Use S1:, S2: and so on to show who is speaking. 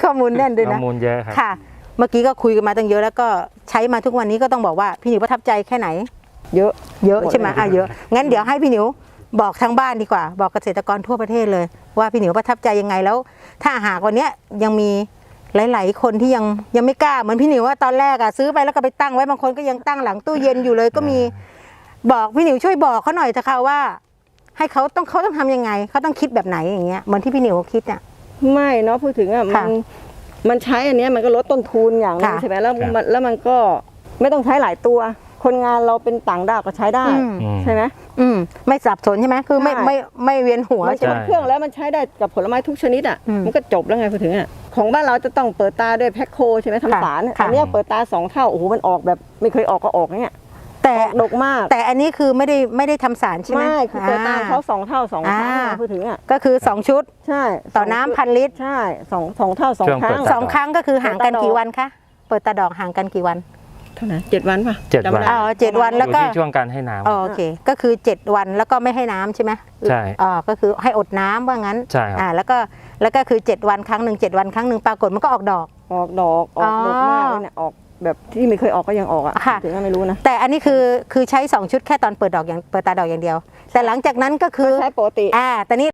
S1: ข้อมูลแน่นด้วยนะ
S2: ข้อมูลเยอะครับ
S1: ค่ะเมื่อกี้ก็คุยกันมาตั้งเยอะแล้วก็ใช้มาทุกวันนี้ก็ต้องบอกว่าพี่หนิวประทับใจแค่ไหนเยอะใช่ไหมเยอะงั้นเดี๋ยวให้พี่หนิวบอกทางบ้านดีกว่าบอกเกษตรกรทั่วประเทศเลยว่าพี่หนิวประทับใจยังไงแล้วถ้าหากวันนี้ยังมีหลายๆคนที่ยังไม่กล้าเหมือนพี่หนิวว่าตอนแรกซื้อไปแล้วก็ไปตั้งไว้บางคนก็ยังตั้งหลังตู้เย็นอยู่เลยก็มีบอกพี่หนิวช่วยบอกเขาหน่อยเถอะค่ะว่าให้เขาต้องทำยังไงเขาต้องคิดแบบไหนอย่างเงี้ยเหมือนที่พี่หนิวคิดเนี่ย
S3: ไม่เนาะพูดถึงมันใช้อันนี้มันก็ลดต้นทุนอย่างนึงใช่ไหมแล้วมันก็ไม่ต้องใช้หลายตัวคนงานเราเป็นต่างด้าวก็ใช้ได้ใช่ไหม
S1: ไม่สับสนใช่ไหมคือไม่เวียนหัว
S3: มันใช้เครื่องแล้วมันใช้ได้กับผลไม้ทุกชนิดอ่ะมันก็จบแล้วไงพูดถึงอ่ะของบ้านเราจะต้องเปิดตาด้วยแพ็คโคใช่ไหมทำสารอันนี้เปิดตา2 เท่าโอ้โหมันออกแบบไม่เคยออกก็ออกเนี่ย
S1: แต่
S3: ดกมาก
S1: แต่อันนี้คือไม่ได้ทำสารใช่ไหม
S3: ไม่คือเปิดตาเขา2 เท่า2 ครั้งพูดถึงอ่ะ
S1: ก็คือ2 ชุด
S3: ใช่
S1: ต่อน้ำ1,000 ลิตร
S3: ใช่2 เท่า2 ครั้ง
S1: 2 ครั้งก็คือห่างกันกี่วันคะเปิดตาดอกห่างกันกี่วัน
S3: เท่าไหร่7 วันป่ะ
S2: 7 วัน
S1: 7 วันแล้วก็
S2: อยู่ที่ช่วงการให้น้ำ
S1: โอเคก็คือ7 วันแล้วก็ไม่ให้น้ำใช่ไหม
S2: ใช่
S1: ก็คือให้อดน้ำว่างั้น
S2: ใช่
S1: แล้วก็คือ7 วันครั้งหนึ่ง7 วันครั้งหนึ่งปรากฏมันก็ออกดอก
S3: ออกดอกมากเลยเนี่ยออกแบบที่ไม่เคยออกก็ยังออกอ่ะถึงไม่รู้นะ
S1: แต่อันนี้คือใช้2 ชุดแค่ตอนเปิดตาดอกอย่างเดียวแต่หลังจากนั้นก็คือ
S3: ใช้ปกติ
S1: แต่นี้